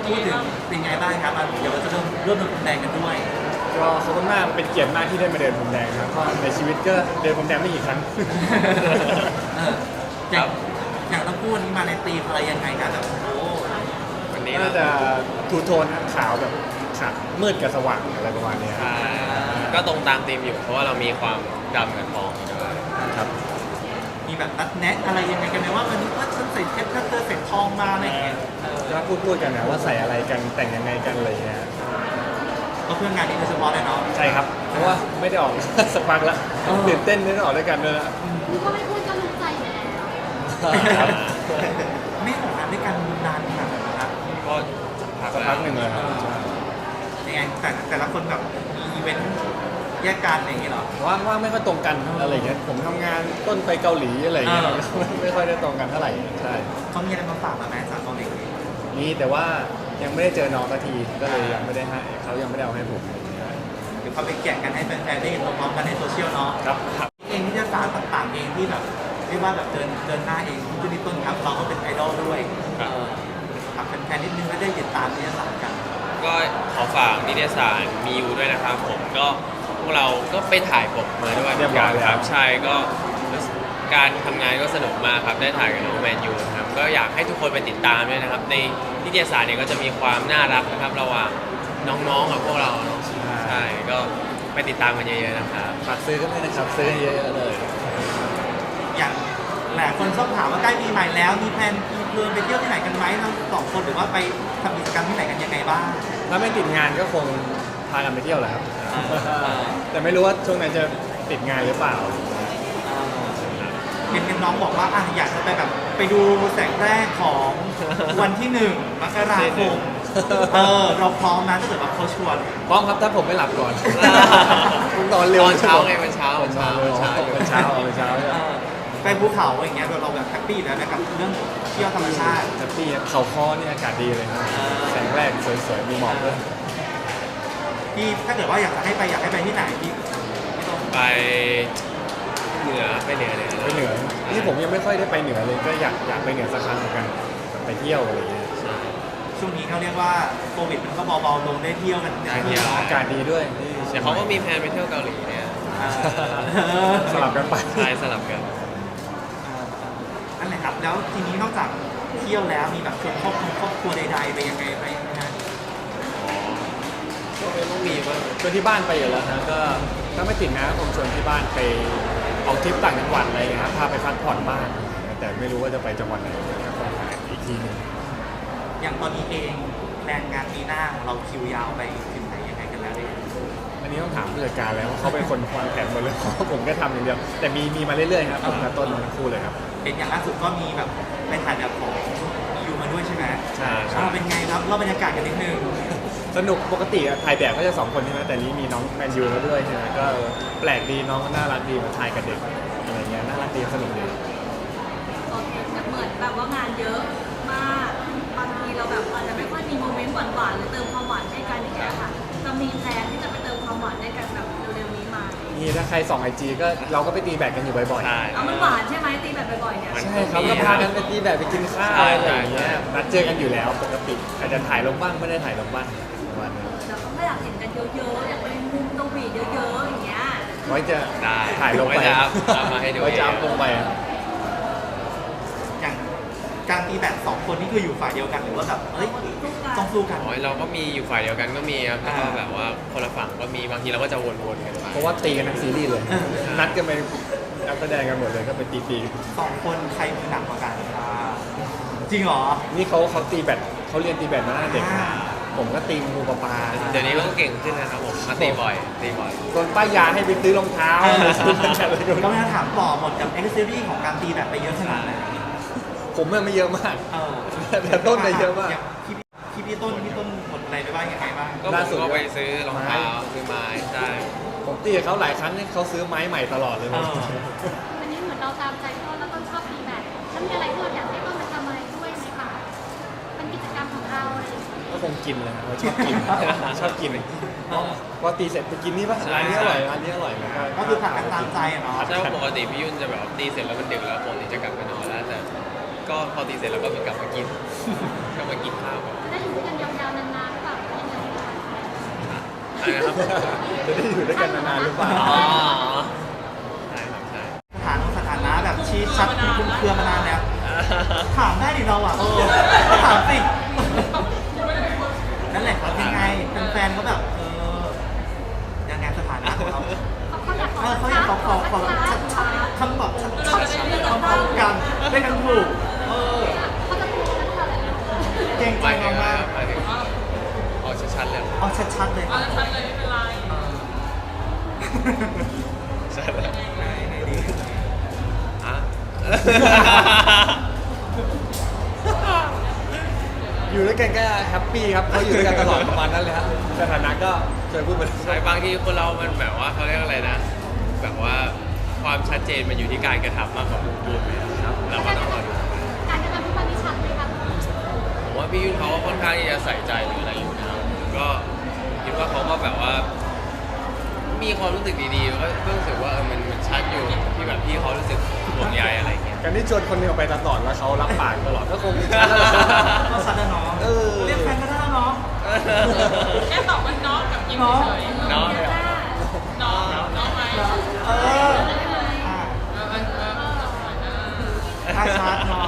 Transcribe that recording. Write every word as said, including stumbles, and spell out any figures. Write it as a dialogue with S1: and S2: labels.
S1: พูดถึงเป็นไงบ้างครับเดี๋ยวเราจะเริ่มเริ่มเดินพรมแดงกันด้วย
S2: ก็ขอบคุณมากเป็นเกียรติมากที่ได้มาเดินพรมแดงครับก็ในชีวิตก็เดินพรมแดงไม่กี่ครั้ง
S1: อย่างอย่างต้องพูดนี้มาในตีมอะไรยังไงกันแบบโอ้
S2: วันนี้น่าจะทูโทนขาวแบบขาวมืดกับสว่างอะไรประมาณนี้
S3: ก็ตรงตามธีมอยู่เพราะว่าเรามีความดำกับทองอยู่ด้วย
S2: ครับ
S1: มีแบบนัดแนะอะไรยังไงกันไหมว่าวันนี้ว่าฉันใส่เพชรถ้าเธอใส่ทองมาอะไรอย่างเงี้ย
S2: ก็พูดพูดกันนะว่าใส่อะไรกันแต่งยังไงกันอะไรเงี้ย
S1: ก็เพื่องานนี้โดยเฉพาะเลยเนาะ
S2: ใช่ครับเพราะว่าไม่ได้ออกสักพักแล้วตื่นเต้นไม่ได้ออกด้วยกันด้วยละ
S4: นึกว่าไม่พูดก็รู้ใจแล้ว
S1: ไม่ออกงานด้วยกันนานขนาดไหนครับ
S3: ก็
S2: สักพักหนึ่งเลยครับ
S1: ยังไงแต่แต่ละคนแบบมีอีเวนต์แยกกันอย่างนี้เหรอ
S2: ว่างว่างไม่ค่อยตรงกันอะไรเงี้ยผมทำงานต้นไปเกาหลีอะไรเงี้ยไม่ค่อยได้ตรงกันเท่าไหร่ใช่
S1: เขามีอะไรมาฝากมาไหมจากเกาหลี
S2: มีแต่ว่ายังไม่ได้เจอน้องสักทีก็เลยยังไม่ได้ให้เขายังไม่ได้เอาให้ผม
S1: เดี๋ยวเขาไปแกะกันให้แฟนๆได้เห็นพร้อมๆกันในโซเชียลเนาะ
S2: ครับครับ
S1: เองที่จะสารต่างๆเองที่แบบเรียกว่าแบบเดินเดินหน้าเองคุณนิต้นครับเราก็เป็นไอดอลด้วยฝากแฟนๆนิดนึงแล้วได้ติดตามนิตยสารกัน
S3: ก็ขอฝากนิตยสารมีอยู่ด้วยนะครับผมก็พวกเราก็ไปถ่ายปกมาด้วย
S2: เรียบร้อย
S3: ครับใช่ก็การทำงานก็สนุกมากครับได้ถ่ายกับน้องแมนยูนะครับก็อยากให้ทุกคนไปติดตามด้วยนะครับในนิตยสารเนี่ยก็จะมีความน่ารักนะครับระหว่างน้องๆกับพวกเราใช่ก็ไปติดตามกันเยอะๆนะครับ
S2: ฝากซื้อกันด้วยนะครับซื้อเยอะๆเลย
S1: อย่างหลายคนชอบถามว่าใกล้ปีใหม่แล้วมีแพลนมีเพลินไปเที่ยวที่ไหนกันไหมเราสองคนหรือว่าไปทำกิจกรรมที่ไหนกันยังไงบ้าง
S2: ถ้าไม่ติดงานก็คงพากันไปเที่ยวแหละครับแต่ไม่รู้ว่าช่วงนั้นจะติดงานหรือเปล่า
S1: เห็นน้องบอกว่าอ่ะอยากจะไปแบบไปดูแสงแรกของวันที่หนึ่งมกราคมเออเราพร้อมนะถ้าเกิดแบบเขาชวน
S2: พร้อมครับถ้าผมไม่หลับก่อนนอนเร็ว
S3: ตอนเช้าไงมันเช้า
S2: มันเช้ามันเช้ามันเช้ามันเช้า
S1: ไปภูเขาอย่างเงี้ยเราแบบแฮปปี้แล้วนะกับเรื่องเที่ยวธรรมชาติ
S2: แฮปปี้เขาค้อนี่อากาศดีเลยครับแสงแรกสวยๆมีหมอกด้วย
S1: ที่ถ้าเกิดว่าอยากจะให้ไปอยากให้ไปที่ไหนที่
S3: ไปเหนือไปเหนือเลย
S2: ไปเหนือนี่ผมยังไม่ค่อยได้ไปเหนือเลยก็อยากอยากไปเหนือสักครั้งเหมือนกันไปเที่ยวอะไรอย่างเงี้ย
S1: ช่วงนี้เขาเรียกว่าโควิดมันก็เบาๆลงได้เที่ยวกันได้
S3: เที่ยว
S2: อากาศดีด้วย
S3: เดี๋ยวเขาก็มีแพลนไปเที่ยวเกาหลีเนี่ย
S2: สลับกันไป
S3: ใช่สลับกัน
S1: อันไหนครับแล้วทีนี้นอกจากเที่ยวแล้วมีแบบชวนครอบครัวครอบครัวใดๆไปยังไงไปนะฮะ
S3: ก็ไม่ต้องมีว่า
S2: ชวนที่บ้านไปอยู่แล้วนะก็ถ้าไม่ติดนะผมชวนที่บ้านไปออกทริปต่างจังหวัดอะไรนะครับพาไปพักผ่อนบ้านแต่ไม่รู้ว่าจะไปจังหวัดไหนก็ต้องหาอีกทีนึง
S1: อย่างตอนนี้เองแรงงานปีหน้าของเราคิวยาวไปถึงไหนยังไงกันแล้วเนี่ย
S2: อันนี้ต้องถามผู้จัดการแล้วเขาเป็นคนวางแผนหมดเลยผมก็ทำอย่างเดียวแต่มีมีมาเรื่อยๆครับผมกับต้นทั้งคู่เลยครับ
S1: เห็นอย่างล่าสุดก็มีแบบเป็นถ่ายแบบของยูมาด้วยใช่ไหม
S2: ใช่ใช่
S1: เป็นไงครับเล่าบรรยากาศกันนิดนึง
S2: สนุกปกติถ่ายแบบก็จะสองคนใช่ไหมแต่นี้มีน้องแมนยูมาด้วยใช่ไหมก็แปลกดีน้องก็น่ารักดีมาถ่ายกับเด็กอะไรเงี้ยน่ารักดีสนุกดี
S4: โอเคเหมือนแบบว่างานเยอะมากบางทีเราแบบอาจจะไม่ค่อยมีโมเมนต์หวานๆหรือเติมความหวานให้กันอย่างเงี้ยค่ะจะมีแพลนที่จะไปเติมความหวานให้กันแบบเร็วๆนี้มา
S2: นี่ถ้าใครส่องไอจีก็เราก็ไปตีแบดกันอยู่บ่อยๆ
S3: ใช่
S4: เอามันหวานใช่ไหมตีแบดบ่อยๆเนี่ย
S2: ใช่ครับก็พากันไปตีแบดไปกินข้าวอะไรอย่างเงี้ยนัดเจอกันอยู่แล้วปกติอาจจะถ่ายลงบ้างไม่ได้ถ่ายลงบ้างประมาณนี้
S4: เราก็อยากเห็นกันเยอะๆอยากเป็นมุมตวีเยอะๆอย่างเงี้ย
S2: ไว้จะถ่ายลงไป
S3: มาให้ดู
S2: ไว้จะอัพลงไป
S1: อย่างการตีแบดสองคนนี่คืออยู่ฝ่ายเดียวกันหรือว่าแบบเอ้ยต้องสู้กัน
S3: เราก็มีอยู่ฝ่ายเดียวกันก็มีครับแล้วก็แบบว่าคนละฝั่งก็มีบางทีเราก็จะวนๆกันไป
S2: เพราะว่าตีกันทั้งซีรีส์เลยนัดกันไปนักแสดงกันหมดเลยก็ไปตีตี
S1: สองคนใครมือหนักกว่ากันจริงเหรอ
S2: นี่เขาเขาตีแบดเขาเรียนตีแบดมาตั้งแต่เด็กผมก็ตีงูปลาปลา
S3: เดี๋ยวนี้ก็เก่งขึ้นนะครับผมมาตีบ่อยตีบ่อย
S2: โดนป้ายยาให้ไปซื้อรองเท้า
S1: ก็ไม่ต้องถามต่อหมดกับเอ็กซ์ซีรีส์ของการตีแบดไปเยอะขนาดไหน
S2: ผมมันไม่เยอะมากแต่ต้นไปเยอะมาก
S1: พี่พี่ต้นพี่ต้นหมดอะไรไปบ้างยังไงบ้าง
S3: ก็ล่าสุดก็ไปซื้อรองเท้าซื้อไม้ใช่
S2: ผมตีกับเขาหลายครั้งนี่เขาซื้อไม้ใหม่ตลอดเลย
S4: วันนี้เหมือนเราตามใจต้นแล้วต้นชอบตีแบดถ้ามีอะไรที่เราอยากให้ต้นมาทำอะไรด้วยไหมคะเป็นกิจกรรมของเราอะไร
S2: ก็คงกินเลยเราชอบกินชอบกินพอตีเสร็จไปกินนี่ป่ะร้านนี้อร่อยร้านนี้อร่อย
S1: ก็คือผักกันตามใจเนาะ
S3: ใช่ปกติพี่ยุ่นจะแบบตีเสร็จแล้วมันดึกแล้วปกติจะกลับไปนอนแล้วแต่ก็พอตีเสร็จแล้วก็มีกลับมากินก็มากินข้าว
S4: จะได้อยู่ด้วยกันยาว
S3: อะไรนะครับ
S2: จะได้อยู่ด้วยกันนานๆหรือเปล่า
S3: อ๋อใช่ครับใช่
S1: สถานสถานะแบบชี้ชัดคุมเครือมานานแล้วถามได้ดิเราอ่ะถามสินั่นแหละครับยังไงแฟนๆก็แบบเออยังไงสถานะของเรา
S4: เขาอยากขอ
S1: เออเขาอยากขอขอขอชัดชัดคำบอกชัดชัดคำบอกกันได้กันถูกเออ
S4: เขาจะพูดกันเท่าไหร่
S1: เก่ง
S3: ไป
S1: จริง
S3: ถึง
S1: มาก
S3: ไปถึงเอาชัดๆเลย
S1: ๆเอาชัดๆเลยครับ
S5: ชัดเลยไม่เป็นไร
S3: ชัดเลย
S1: ไหนไหนดี
S3: อ่ะ
S2: อยู่ด้วยกันก็แฮปปี้ครับเขาอยู่ด้วยกันตลอดประมาณนั้นเลยครับสถานะก็เคยพูดไป
S3: ใช่บางทีคนเรามันแบบว่าเขาเรียกอะไรนะ แบบว่าความชัดเจนมันอยู่ที่การกระทำมากกว่าพูดนะครับเราก็ต้องรอดู
S4: การกระทำที่มันไม่ชัดเลยค่ะ
S3: ผมว่าพี่ยุ่นเขาก็ค่อนข้างที่จะใส่ใจหรืออะไรอยู่นะครับก็คิดว่าเขาก็แบบว่า มีความรู้สึกดีๆก็ก็รู้สึกว่าเออมันมันชัดอยู่ที่แบบพี่เขารู้สึกห่วงใยอะไรอย่างเงี้ย
S2: การที่ชวนคนหนึงออกไปตลอดแล้วเขารับปากตลอดก็คง
S1: ก็ชัดนะน้อง
S2: เออ
S1: เรียกแฟนก็ได้นะน้อง
S5: แค่ตอบว่าน้องกับยิ้มเฉยๆ
S3: น้อง
S5: น้องน้องไหม
S1: เอออ่ะ
S5: เออเออเออ
S1: ถ้าชัดเนาะ